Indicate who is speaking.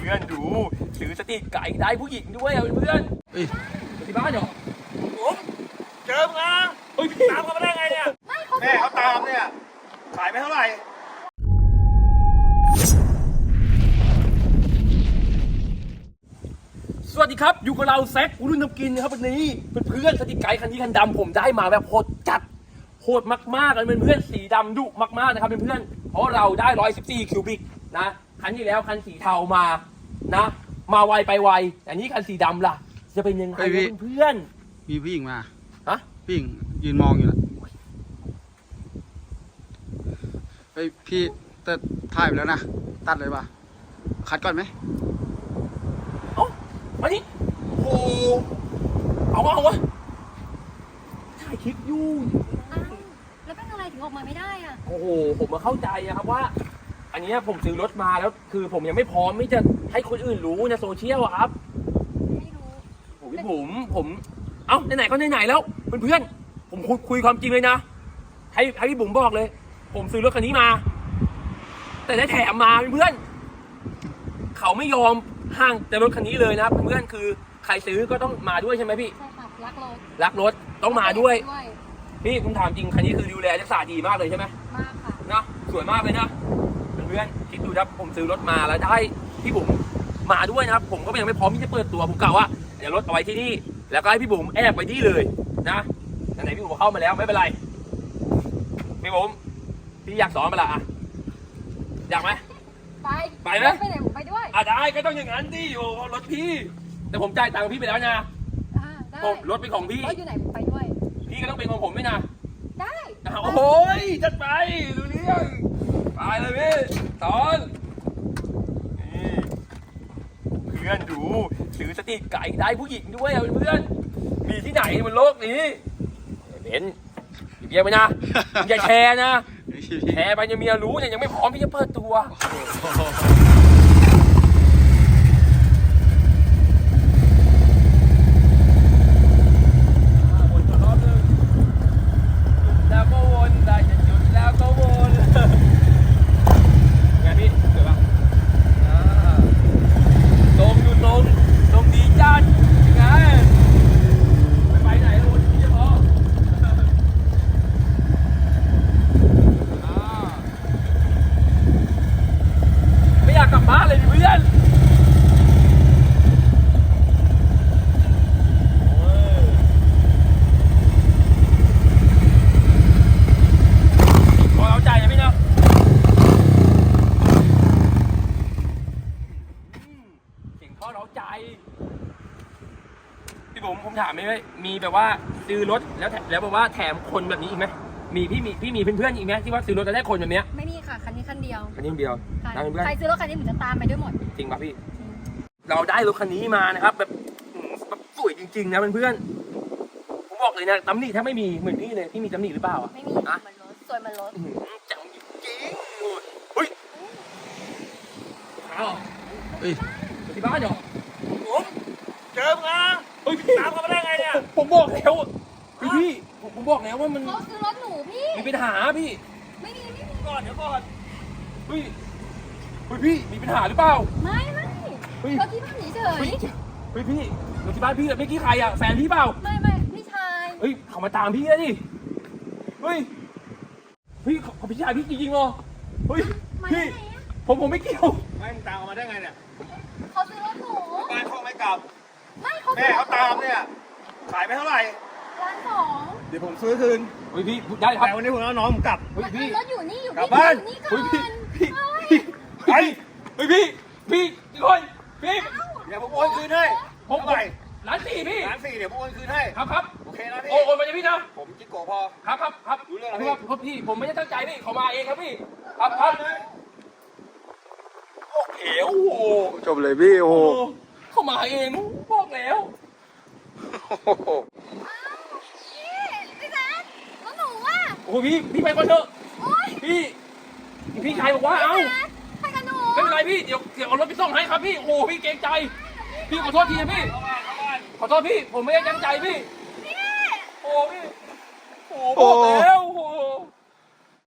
Speaker 1: พื่อนดูถือสติไก่ได้ผู้หญิงด้วยเพื่อนที่บ้านเหรอผมเจอมึงนะตามเขามาได้ไงเนี่ยแม่เขาตามเนี่ยขายไปเท่าไหร่สวัสดีครับอยู่กับเราแซครุ่นน้ำกินนะครับวันนี้เพื่อนสติไก่คันนี้คันดำผมได้มาแบบโหดจัดโหดมากๆเลยเพื่อนสีดำดุมากๆนะครับเพื่อนเพราะเราได้114คิวบิกนะคันที่แล้วคันสีเทามานะมาไวไปไวแต่นี้คันสีดำล่ะจะเป็นยังไงเพื่อน
Speaker 2: มีผู้หญิงมา
Speaker 1: ฮะ
Speaker 2: ผู้หญิงยืนมองอยู่แล้วเฮ้ยพี่แต่ถ่ายไปแล้วนะตัดเลยป่ะคัดก่อนไหม
Speaker 1: มาดิโอ้เอาวะถ่ายคลิปอยู่
Speaker 3: แล้วเป็นอะไรถึงออกมาไม่ได้อ่ะ
Speaker 1: โอ้โหผมมาเข้าใจครับว่าอันนี้ผมซื้อรถมาแล้วคือผมยังไม่พร้อมไม่จะให้คนอื่นรู้ในโซเชียลครับ
Speaker 3: ไม่รู้
Speaker 1: ผมเอ้าไหนๆก็ไหนๆแล้วเพื่อนๆผมคุยความจริงเลยนะให้พี่บุ๋มบอกเลยผมซื้อรถคันนี้มาแต่ได้แถมมาเพื่อนๆเขาไม่ยอมห้างแต่รถคันนี้เลยนะเพื่อนๆคือใครซื้อก็ต้องมาด้วยใช่ไหมพี่
Speaker 3: ใช่ค่ะ
Speaker 1: รักรถต้องมาด้วยพี่ผมถามจริงคันนี้คือดูแลรักษาดีมากเลยใช่ไหม
Speaker 3: มากค่ะ
Speaker 1: นะสวยมากเลยนะเพื่อนๆคิดดูนะผมซื้อรถมาแล้วได้พี่บุ๋มมาด้วยนะครับผมก็ยังไม่พร้อมที่จะเปิดตัวผมกล่าวว่าเดี๋ยวรถเอาไว้ที่นี่แล้วก็ให้พี่บุ๋มแอบไปที่เลยนะไหนๆพี่บุ๋มเข้ามาแล้วไม่เป็นไรพี่บุ๋มพี่อยากสอนมาละอยากไหมไปไหม
Speaker 3: ไปไหนผมไปด้วย
Speaker 1: ได้ก็ต้องอย่างนั้นดิอยู่รถพี่แต่ผมจ่ายตังค์พี่ไปแล้วนะผมรถเป็นของพี่
Speaker 3: รถอยู่ไหนผมไปด้วย
Speaker 1: พี่ก็ต้องเป็นของผมด้วยนะ
Speaker 3: ได้
Speaker 1: โอ้ยจัดไปดูเรื่องไปเลยพี่สอนเพื่อนดูถือสติไก่ได้ผู้หญิงด้วยเพื่อนมีที่ไหนบนโลกนี้เห็นเบียร์ไปนะอย่าแชร์นะแชร์ไปจะเมียรู้เนี่ยยังไม่พร้อมที่จะเปิดตัวแล้วก็วนได้จะหยุดแล้วก็วนไงพี่เกิดปะลงหยุดลงดีจัดยังไงไปไหนแล้ววนที่จะพอไม่อยากกลับบ้านเลยเพื่อนผมถามไหมมีแบบว่าซื้อรถแล้วแบบว่าแถมคนแบบนี้อีกไหมมีพี่มีเพื่อนๆอีกไหมที่ว่าซื้อรถแล้วได้คนแบบนี้
Speaker 3: ไม่มีค่ะคันนี้คันเดียว
Speaker 1: ใ
Speaker 3: ครซื้อรถคันนี้เหมือนจะตามไปด้วยหมด
Speaker 1: จริงป่ะพี่เราได้รถคันนี้มานะครับแบบสวยจริงๆนะเพื่อนๆผมบอกเลยนะตำหนิแทบไม่มีเหมือนพี่เลยพี่มีตำหนิหรือเปล่า
Speaker 3: ไม่มีมันรถสวยมันรถ
Speaker 1: จังจริงเฮ้ยที่บ้านเหรอผมเจอมึงนะตามเขามาได้ไงเนี่ยผมบอกแล้วพี่ผมบอกแล้วว่ามัน
Speaker 3: เขาซื้อรถหนูพี่
Speaker 1: มีปัญหาพี่
Speaker 3: ไม่มี
Speaker 1: ก่อนเดี๋ยวก่อนเฮ้ยพี่มีปัญหาหรือเปล่า
Speaker 3: ไม่ก็ที่บ้านเฉย
Speaker 1: พี่รถที่บ้านพี่เมื่อกี้ใครอ่ะแฟนพี่เปล่า
Speaker 3: ไม่พี่ชาย
Speaker 1: เขามาตามพี่แล้วดิเขาพี่ชายพี่จริงๆเหรอพี่ผมไม่เกี่ยวไม่มึงตามเขามาได้ไงเนี่ย
Speaker 3: เขาซื้อรถหนู
Speaker 1: บ้านเขาไม่กลับแม่เขาตามเนี่ยขายไปเท่าไหร่
Speaker 3: 1,200,000
Speaker 1: เดี๋ยวผมซื้อคืนพี่ได้ครับแต่วันนี้ผมเอาน้องผมกลับ
Speaker 3: พี่รถอยู่นี่อยู่
Speaker 1: กลับบ้าน
Speaker 3: พี่
Speaker 1: คนพี่เดี๋ยวผมโอนคืนให้ผมไป1,400,000พี่1,400,000เดี๋ยวผมโอนคืนให้ครับโอเคนะพี่โอนไปเลยพี่นะผมจิ๊กโกพอครับรู้เรื่องครับพี่ผมไม่ได้ตั้งใจพี่เขามาเองครับพี่ครับโอเคโอ้โห
Speaker 2: จบเลยพี่โอ้โห
Speaker 1: เขามาเองบอกแล้ว
Speaker 3: พี่แซคแล้วหนูอ่ะ
Speaker 1: โอ้พี่ไปก่อนเถอะพี่ชายบอกว่าเอ้า
Speaker 3: ไปกันหนู
Speaker 1: ไม่เป็นไรพี่เดี๋ยวเอารถไปส่งให้ครับพี่โอ้พี่เกรงใจพี่ขอโทษทีนะพี่ขอโทษพี่ผมไม่ได้ตั้งใจพี่โอ้พี่บอกแล้ว